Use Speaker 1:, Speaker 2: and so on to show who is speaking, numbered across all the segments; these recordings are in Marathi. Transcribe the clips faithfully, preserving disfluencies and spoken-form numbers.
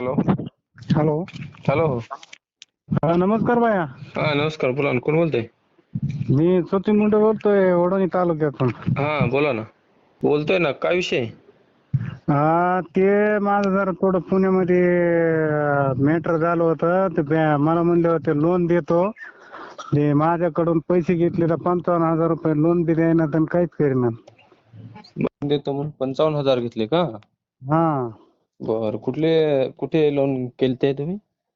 Speaker 1: Hello
Speaker 2: hello.
Speaker 1: हॅलो
Speaker 2: हा, नमस्कार बाया.
Speaker 1: हा नमस्कार. बोला ना, कोण बोलतंय?
Speaker 2: मी सचिन मुंडे बोलतोय, वडवणी तालुक्यातून.
Speaker 1: हा बोला ना, बोलतोय ना, काय विषय?
Speaker 2: हा, ते माझं जरा थोडं पुण्यामध्ये मॅटर झालं होतं. ते बॅ- मला म्हणले होते लोन देतो. ते माझ्याकडून पैसे घेतले तर पंचावन्न हजार रुपये लोन बी द्यायना तर काहीच करेना.
Speaker 1: लोन देतो म्हणून पंचावन्न हजार घेतले का?
Speaker 2: हा.
Speaker 1: बर, कुठले कुठे लोन केलते तुम्ही?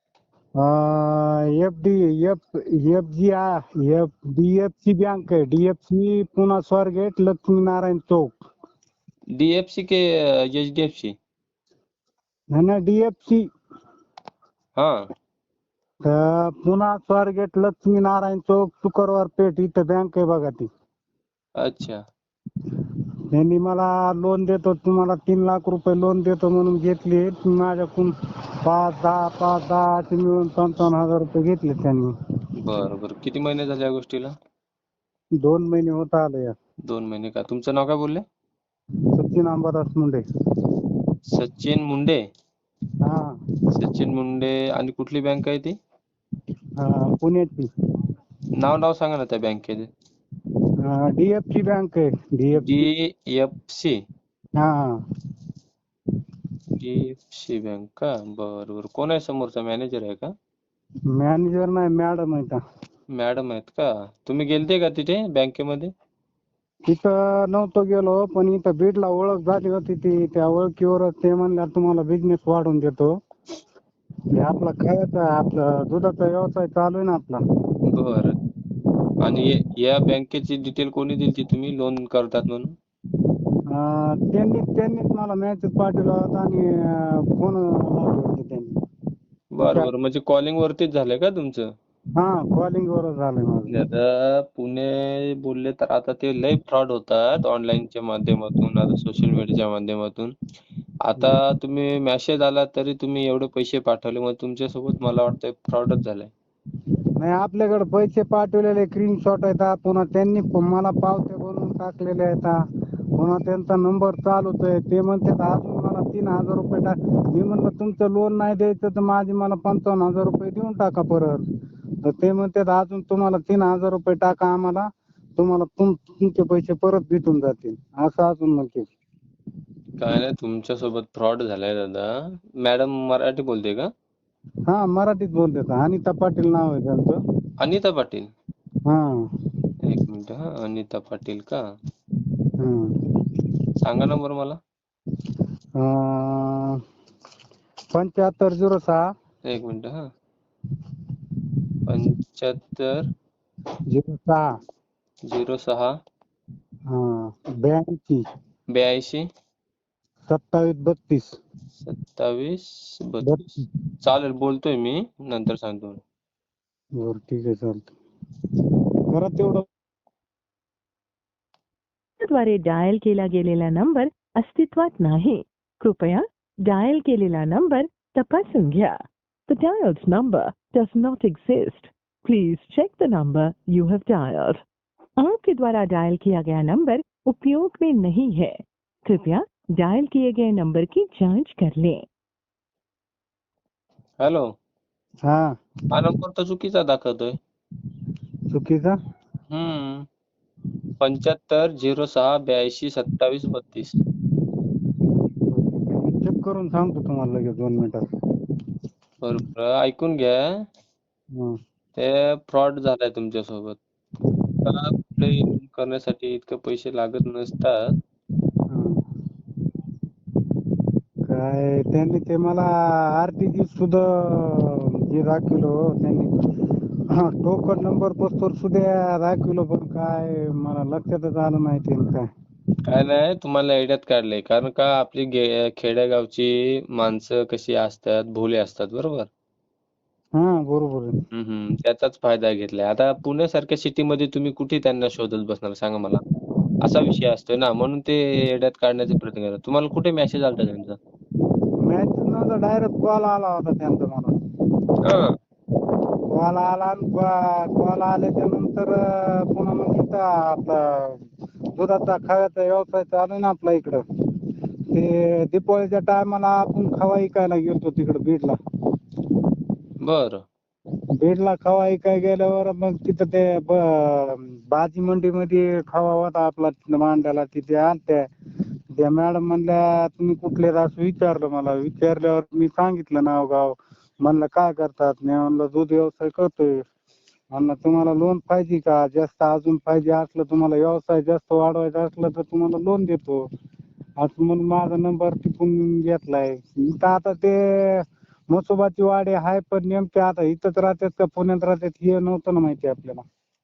Speaker 2: F D F F G F D F C bank आहे. D F C Pune Swargate Laxminarayan चौक.
Speaker 1: D F C K H D F C?
Speaker 2: नाही ना, डी एफ सी.
Speaker 1: हा.
Speaker 2: तर पुणा स्वारगेट लक्ष्मीनारायण चौक शुक्रवार पेठ इथं बँक आहे बघा ती.
Speaker 1: अच्छा.
Speaker 2: त्यांनी मला लोन देतो, तुम्हाला तीन लाख रुपये लोन देतो म्हणून घेतली. माझ्याकडून पाच दहा पाच दहा असे मिळून पंचावन्न हजार रुपये घेतले त्यांनी.
Speaker 1: बर बर, किती महिने झाले या गोष्टीला?
Speaker 2: दोन महिने होत आले या.
Speaker 1: दोन महिने का? तुमचं नाव काय बोलले?
Speaker 2: सचिन अंबादास मुंडे.
Speaker 1: सचिन मुंडे?
Speaker 2: हा.
Speaker 1: सचिन मुंडे. आणि कुठली बँक आहे ती?
Speaker 2: हा, पुण्याची.
Speaker 1: नाव नाव सांगा ना त्या बँकेचे.
Speaker 2: डी एफ सी बँक आहे. D F C.
Speaker 1: D F C?
Speaker 2: हा.
Speaker 1: डी एफ सी बँक का? बर बर. कोण आहे समोरचा, मॅनेजर आहे का?
Speaker 2: मॅनेजर नाही, मॅडम आहे का.
Speaker 1: मॅडम आहेत का? तुम्ही गेलते का तिथे बँकेमध्ये?
Speaker 2: तिथं नव्हतो गेलो, पण इथं बीडला ओळख झाली होती. ती त्या ओळखीवरच ते म्हणल्या तुम्हाला बिझनेस वाढवून देतो. हे आपला खायचा आपला दुधाचा व्यवसाय चालू आहे ना आपला.
Speaker 1: बर. आणि ये- या बँकेची डिटेल कोणी दिली तुम्ही लोन करतात म्हणून?
Speaker 2: अं, त्यांनी त्यांनीच मला मेसेज पाठवला होता आणि फोन लावले होते त्यांनी.
Speaker 1: बर बर, म्हणजे कॉलिंग वरतीच झालंय का तुमचं?
Speaker 2: हा, कॉलिंग वरच झालंय माझं.
Speaker 1: आता पुणे बोलले तर आता ते लय फ्रॉड होतात ऑनलाईनच्या माध्यमातून, आता सोशल मीडियाच्या माध्यमातून. आता तुम्ही मेसेज आला तरी तुम्ही एवढे पैसे पाठवले, मग तुमच्यासोबत मला वाटतंय फ्रॉडच झालंय.
Speaker 2: नाही, आपल्याकडे पैसे पाठवलेले स्क्रीनशॉट आहेत. पुन्हा त्यांनी मला पावत्या बनवून टाकलेले आहेत. पुन्हा त्यांचा नंबर चालूच आहे. ते म्हणतात अजून मला तीन हजार रुपये टाक. मी म्हणलं तुमचं लोन नाही द्यायचं तर माझे मला पंचावन्न हजार रुपये देऊन टाका परत. तर ते म्हणतात अजून तुम्हाला तीन हजार रुपये टाका आम्हाला, तुम्हाला तुम तुमचे पैसे परत भेटून जातील, असं अजून म्हणते.
Speaker 1: काय नाही, तुमच्यासोबत फ्रॉड झालाय दादा. मॅडम मराठी बोलते का?
Speaker 2: हा, मराठीत बोलतात. अनिता पाटील नाव आहे त्यांचं.
Speaker 1: अनिता पाटील?
Speaker 2: हा.
Speaker 1: एक मिनिट हा, अनिता पाटील का?
Speaker 2: हा.
Speaker 1: सांगा नंबर मला.
Speaker 2: अं, पंच्याहत्तर झिरो सहा
Speaker 1: एक मिनिट हा. पंच्याहत्तर
Speaker 2: झिरो सहा
Speaker 1: झिरो सहा
Speaker 2: हा ब्याऐंशी
Speaker 1: ब्याऐंशी
Speaker 2: सत्तावीस बत्तीस
Speaker 1: सत्तावीस बत्तीस.
Speaker 2: बत्तीस.
Speaker 1: चालेल, बोलतोय मी, नंतर सांगतो.
Speaker 2: बरं, ठीक आहे, चालतं. करा तेवढं.
Speaker 3: द्वारे डायल केला गेलेला नंबर अस्तित्वात नाही. कृपया डायल केलेला नंबर तपासून घ्या. The dialed number does not exist. Please check the number you have dialed. आपके द्वारा डायल किया गया नंबर उपयोग में नहीं है. कृपया डायल किए गए नंबर की जांच कर लें.
Speaker 1: हॅलो.
Speaker 2: हा,
Speaker 1: हा नंबर तर चुकीचा दाखवतोय.
Speaker 2: चुकीचा.
Speaker 1: हम्म पंच्याहत्तर झिरो सहा ब्याऐंशी सत्तावीस बत्तीस.
Speaker 2: चेक करून सांगतो तुम्हाला लगेच दोन मिनिटात.
Speaker 1: बरोबर, ऐकून घ्या.
Speaker 2: हा.
Speaker 1: ते फ्रॉड झालाय तुमच्यासोबत. त्याला कुठलेही लोन करण्यासाठी इतके पैसे लागत नसतात.
Speaker 2: काय त्यांनी ते मला आरटीजी सुद्धा जे दाखवलं त्यांनी, टोकन नंबर पोस्टवर सुद्धा दाखवलं, पण काय मला लक्षातच आलं नाही ते काय.
Speaker 1: काय नाही, तुम्हाला आयडियात काढलंय, कारण का आपली गे खेडेगावची माणसं कशी असतात, भोळे असतात, बरोबर.
Speaker 2: हा, बरोबर आहे.
Speaker 1: हम्म हम्म त्याचाच फायदा घेतलाय. आता पुण्यासारख्या सिटीमध्ये तुम्ही कुठे त्यांना शोधत बसणार सांगा मला. असा विषय असतोय ना, म्हणून ते येड्यात काढण्याचे प्रयत्न करतात. तुम्हाला कुठे मेसेज आलता त्यांचा?
Speaker 2: मॅच नंतर डायरेक्ट कॉल आला होता त्यांचा मला.
Speaker 1: हा.
Speaker 2: कॉल आला, कॉल आल्याच्या नंतर पुन्हा मग तिथं आपला दुधाचा खाव्याचा व्यवसाय चालू आहे ना आपला इकडं, ते दीपावलीच्या टायमाला आपण खवा इकायला गेलतो तिकडे बीडला.
Speaker 1: बरं.
Speaker 2: बीडला खवा इकाय गेल्यावर मग तिथं ते ब- भाजी मंडीमध्ये खवा होता आपला तिथं मांडायला. तिथे आलत्या त्या मॅडम म्हणल्या तुम्ही कुठले आहेत असं विचारलं मला. विचारल्यावर मी सांगितलं नाव गाव. म्हणलं काय करतात? मी म्हणलं दूध व्यवसाय करतोय. म्हणलं तुम्हाला लोन पाहिजे का? जास्त अजून पाहिजे असलं तुम्हाला व्यवसाय जास्त वाढवायचा असलं तर तुम्हाला लोन देतो असं म्हणून माझा नंबर टिपून घेतलाय. इथं आता ते म्हसोबाची वाडी आहे पण नेमके आता इथंच राहतात का पुण्यात राहतात हे नव्हतं ना माहिती आपल्याला.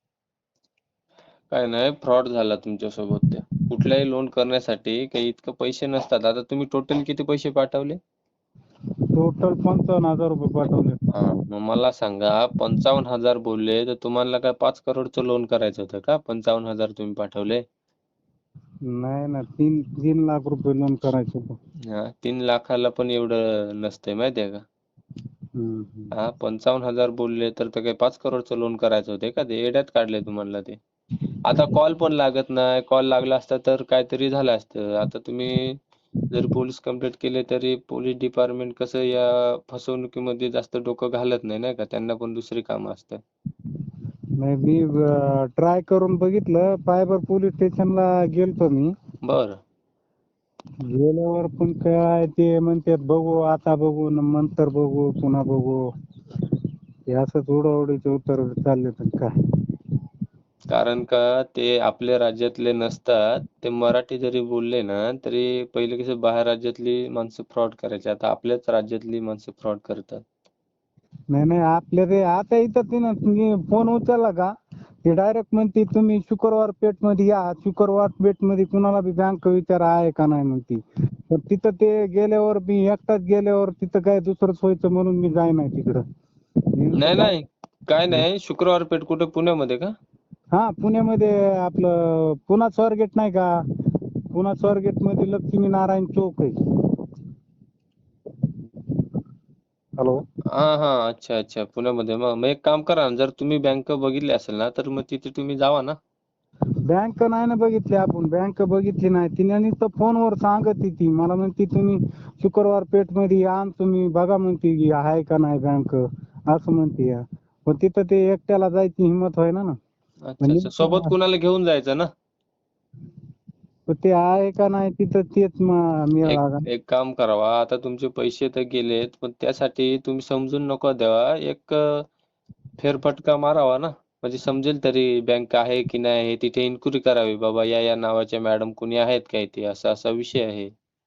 Speaker 1: काय नाही, फ्रॉड झाला तुमच्यासोबत ते. कुठलाही लोन करण्यासाठी काही इतकं पैसे नसतात. आता तुम्ही टोटल किती पैसे पाठवले?
Speaker 2: टोटल पंचावन्न हजार रुपये पाठवले.
Speaker 1: हा, मग मला सांगा, पंचावन्न हजार बोलले तर तुम्हाला काय पाच करोडचं लोन करायचं होतं का? पंचावन्न हजार तुम्ही पाठवले.
Speaker 2: नाही ना तीन तीन लाख रुपये लोन करायचं होतं.
Speaker 1: हा, तीन लाखाला पण एवढं नसतंय माहितीये का?
Speaker 2: हम्म, हम्म.
Speaker 1: हा, पंचावन्न हजार बोलले तर ते काही पाच करोडचं लोन करायचं होते का? ते येड्यात काढले तुम्हाला ते. आता कॉल पण लागत नाही. कॉल लागला असता तर काहीतरी झालं असतं. आता तुम्ही जर पोलीस कंप्लेंट केली तरी पोलीस डिपार्टमेंट कसं या फसवणुकीमध्ये जास्त डोकं घालत नाही, नाही का? त्यांना पण दुसरी कामं असतात.
Speaker 2: नाही मी ट्राय करून बघितलं. सायबर पोलीस स्टेशनला गेलतो मी.
Speaker 1: बरं.
Speaker 2: गेल्यावर पण काय ते म्हणतात बघू आता बघू न नंतर बघू पुन्हा बघू. हे असंच उडवाउडीचे उत्तर चालले तर काय.
Speaker 1: कारण का ते आपल्या राज्यातले नसतात. ते मराठी जरी बोलले ना तरी पहिले कसं बाहेर राज्यातली माणसं फ्रॉड करायची. आता आपल्याच राज्यातली माणसं फ्रॉड करतात.
Speaker 2: नाही नाही आपल्या ते आता इथं तिनं तुम्ही फोन उचलला का ते डायरेक्ट म्हणते तुम्ही शुक्रवार पेठमध्ये या. शुक्रवार पेठमध्ये कुणाला बी बँक विचारा आहे का नाही म्हणते. तर तिथं ते गेल्यावर मी एकटाच गेल्यावर तिथं काय दुसरंच व्हायचं म्हणून मी जाय नाही तिकडं.
Speaker 1: नाही नाही, काय नाही. शुक्रवार पेठ कुठे पुण्यामध्ये का?
Speaker 2: हा पुण्यामध्ये आपलं पुणा स्वारगेट नाही का? पुणा स्वारगेट मध्ये लक्ष्मी नारायण चौक आहे. हॅलो.
Speaker 1: हा हा, अच्छा अच्छा, पुण्यामध्ये. मग मग एक काम करा ना, जर तुम्ही बँक बघितली असेल ना तर मग तिथे तुम्ही जावा ना.
Speaker 2: बँक नाही ना बघितली आपण. बँक बघितली नाही. तिने नुसतं फोनवर सांगत ती मला म्हणते तुम्ही शुक्रवार पेठमध्ये या आणि तुम्ही बघा म्हणते की आहे का नाही बँक असं म्हणते या. पण तिथं ते एकट्याला जायची हिंमत व्हायना ना.
Speaker 1: अच्छा अच्छा, सोबत कुणाला घेऊन जायचं ना.
Speaker 2: पण ते आहे का नाही तिथं तेच मिळा
Speaker 1: एक
Speaker 2: लागा.
Speaker 1: एक काम करावा, आता तुमचे पैसे तर गेलेत पण त्यासाठी तुम्ही समजून नको द्यावा. एक अ, फेरफटका मारावा ना. म्हणजे समजेल तरी बँक आहे की नाही हे. तिथे इन्क्वायरी करावी, बाबा या या नावाच्या मॅडम कोणी आहेत का इथे, असा असा विषय आहे.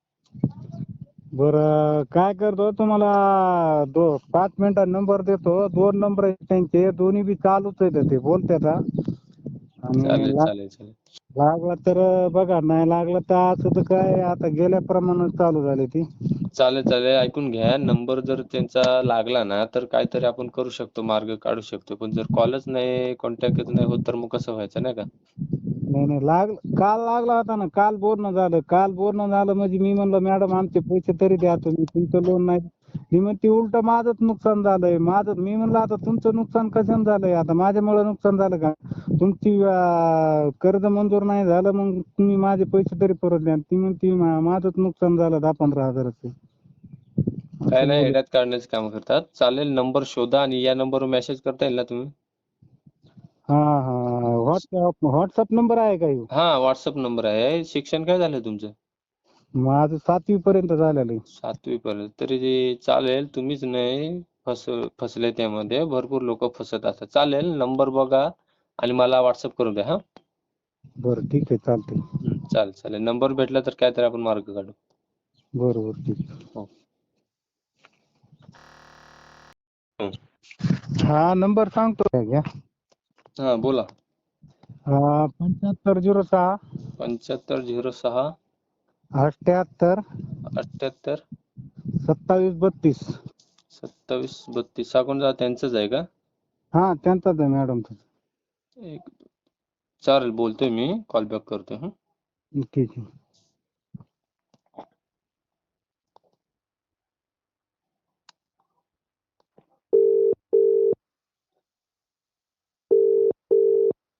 Speaker 2: बरं काय करतो तुम्हाला दो पाच मिनिटात नंबर देतो. दोन नंबर आहेत त्यांचे. दोन्ही बी चालूच आहेत ते बोलतात हा. आणि
Speaker 1: चालेल
Speaker 2: ला-
Speaker 1: चालेल चालेल.
Speaker 2: लागला तर बघा नाही लागलं तर असं तर काय आता गेल्याप्रमाणे चालू झाले ती.
Speaker 1: चालेल चालेल, ऐकून घ्या. नंबर जर त्यांचा लागला ना तर काहीतरी आपण करू शकतो, मार्ग काढू शकतो. पण जर कॉलच नाही, कॉन्टॅक्टच नाही होत तर मग कसं व्हायचं, नाही का?
Speaker 2: नाही नाही लाग काल लागला होता ना. काल बोलणं झालं. काल बोलणं झालं म्हणजे मी म्हणलं मॅडम आमचे पैसे तरी द्या तुम्ही. तुमचं लोन नाही. मी म्हणते उलट माझंच नुकसान झालंय. माझं मी म्हणलं आता तुमचं नुकसान कशानं झालंय. आता माझ्यामुळे नुकसान झालं का? तुमची अं, कर्ज मंजूर नाही झालं मग तुम्ही माझे पैसे तरी परत द्या. ती म्हणते मा- माझंच नुकसान झालं दहा पंधरा हजाराचं.
Speaker 1: काय
Speaker 2: असं
Speaker 1: नाही,
Speaker 2: बोलत.
Speaker 1: येड्यात काढण्याचे काम करतात. चालेल, नंबर शोधा आणि या नंबरवर मेसेज करता येईल ना तुम्ही?
Speaker 2: हा हा व्हॉट्सअप व्हॉट्सअप नंबर आहे का ह्यो?
Speaker 1: हा, व्हॉट्सअप नंबर आहे. शिक्षण काय झालं तुमचं?
Speaker 2: माझं सातवी पर्यंत झालेलं आहे.
Speaker 1: सातवी पर्यंत तरी ते चालेल. तुम्हीच नाही फस फसले त्यामध्ये. भरपूर लोक फसत असतात. चालेल, नंबर बघा आणि मला व्हॉट्सअप करून द्या. हा.
Speaker 2: बरं ठीक आहे चालतंय.
Speaker 1: हं, चालेल चालेल. नंबर भेटला तर काहीतरी आपण मार्ग काढू.
Speaker 2: बरं बरं ठीक आहे.
Speaker 1: हो. हं.
Speaker 2: हा नंबर सांगतो घ्या.
Speaker 1: हा, बोला.
Speaker 2: हा पंच्याहत्तर झिरो सहा
Speaker 1: पंच्याहत्तर झिरो सहा
Speaker 2: अठ्ठ्याहत्तर
Speaker 1: अठ्ठ्याहत्तर
Speaker 2: सत्तावीस बत्तीस.
Speaker 1: सत्तावीस बत्तीस. हा कोणता त्यांचंच आहे का?
Speaker 2: हा त्यांचाच आहे मॅडमचा.
Speaker 1: एक चालेल, बोलतोय मी. कॉल बॅक करतोय. हं.
Speaker 2: ठीक आहे.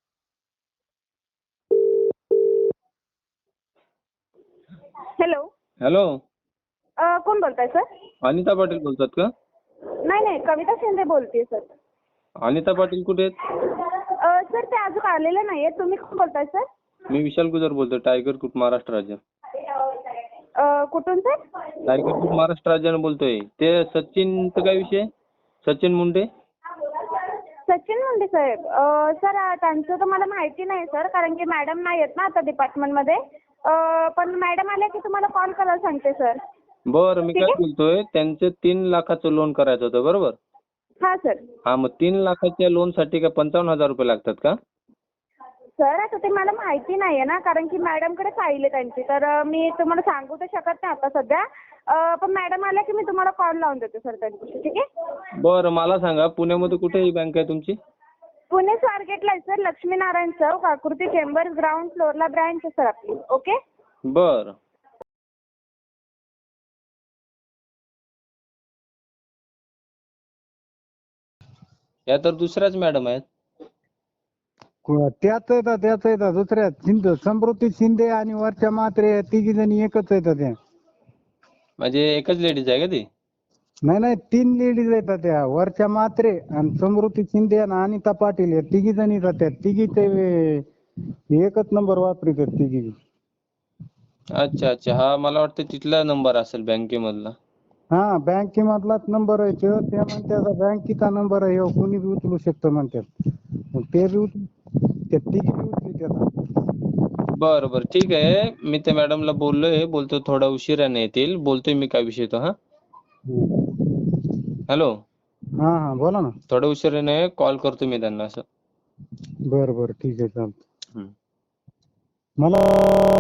Speaker 4: हॅलो.
Speaker 1: हॅलो,
Speaker 4: अ, कोण बोलताय सर?
Speaker 1: अनिता पाटील बोलतात का?
Speaker 4: नाही नाही, कविता शिंदे बोलतेय सर.
Speaker 1: अनिता पाटील कुठे आहेत?
Speaker 4: अ, सर ते अजून आलेले नाहीये. तुम्ही कोण बोलताय सर?
Speaker 1: मी विशाल गुजर बोलतोय, टायगर ग्रुप महाराष्ट्र राज्य.
Speaker 4: अ, कुठून सर?
Speaker 1: टायगर ग्रुप महाराष्ट्र राज्यानं बोलतोय. ते सचिनचा काय विषय? सचिन मुंडे.
Speaker 4: सचिन मुंडे साहेब. अ, सर अ, त्यांचं तर मला माहिती नाही सर, कारण की मॅडम नाही आहेत ना आता डिपार्टमेंटमध्ये. अ, पण मॅडम आल्या की तुम्हाला कॉल करायला सांगते सर.
Speaker 1: बरं, मी
Speaker 4: ठीक
Speaker 1: काय
Speaker 4: आहे?
Speaker 1: बोलतोय, त्यांचं तीन लाखाचं लोन करायचं होतं, बरोबर?
Speaker 4: हां सर.
Speaker 1: हा, मग तीन लाखाच्या लोनसाठी काय पंचावन्न हजार रुपये लागतात का?
Speaker 4: सर आता ते मला माहिती नाहीये ना, कारण की मॅडमकडे फाईल आहे त्यांची. तर अ, मी तुम्हाला सांगू तर शकत नाही आता सध्या. अ, पण मॅडम आल्या की मी तुम्हाला कॉल लावून देते सर त्यांच्याशी. ठीक आहे?
Speaker 1: बरं, मला सांगा, पुण्यामध्ये कुठे ही बँक आहे तुमची?
Speaker 4: पुणे स्वारगेटला आहे सर, लक्ष्मीनारायण चौक, आकृती चेंबर्स, ग्राउंड फ्लोअरला ब्रँच आहे सर आपली. ओके?
Speaker 1: बरं. या तर दुसऱ्याच मॅडम आहेत.
Speaker 2: को- त्याच येतात त्याच येतात दुसऱ्या शिंदे, समृद्धी शिंदे आणि वरच्या मात्रे तिघी जणी एकच येतात त्या.
Speaker 1: म्हणजे एकच लेडीज आहे का ती?
Speaker 2: नाही नाही, तीन लेडीज येतात त्या. वरच्या मात्रे आणि समृद्धी शिंदे आणि अनिता पाटील या तिघी जणी येतात त्या. तिघी ते एकच नंबर वापरतात तिघी.
Speaker 1: अच्छा अच्छा, हा मला वाटतं तिथला नंबर असेल बँकेमधला.
Speaker 2: हा, बँकेमधलाच नंबर आहे तो. ते म्हणतात बँकेचा नंबर आहे ह्यो, कोणी बी उचलू शकतं म्हणतात. मग ते बी उचलू, त्या तिघी बी उचलतात.
Speaker 1: बरं बरं, ठीक आहे. मी त्या मॅडमला बोललोय, बोलतो थोडा उशिराने येतील. बोलतोय मी काय विषय तो. हा, हॅलो,
Speaker 2: हा हा, बोला ना.
Speaker 1: थोडा उशिराने कॉल करतो मी त्यांना असं.
Speaker 2: बरं बरं, ठीक आहे, चालतं.
Speaker 1: हम्म.
Speaker 2: मला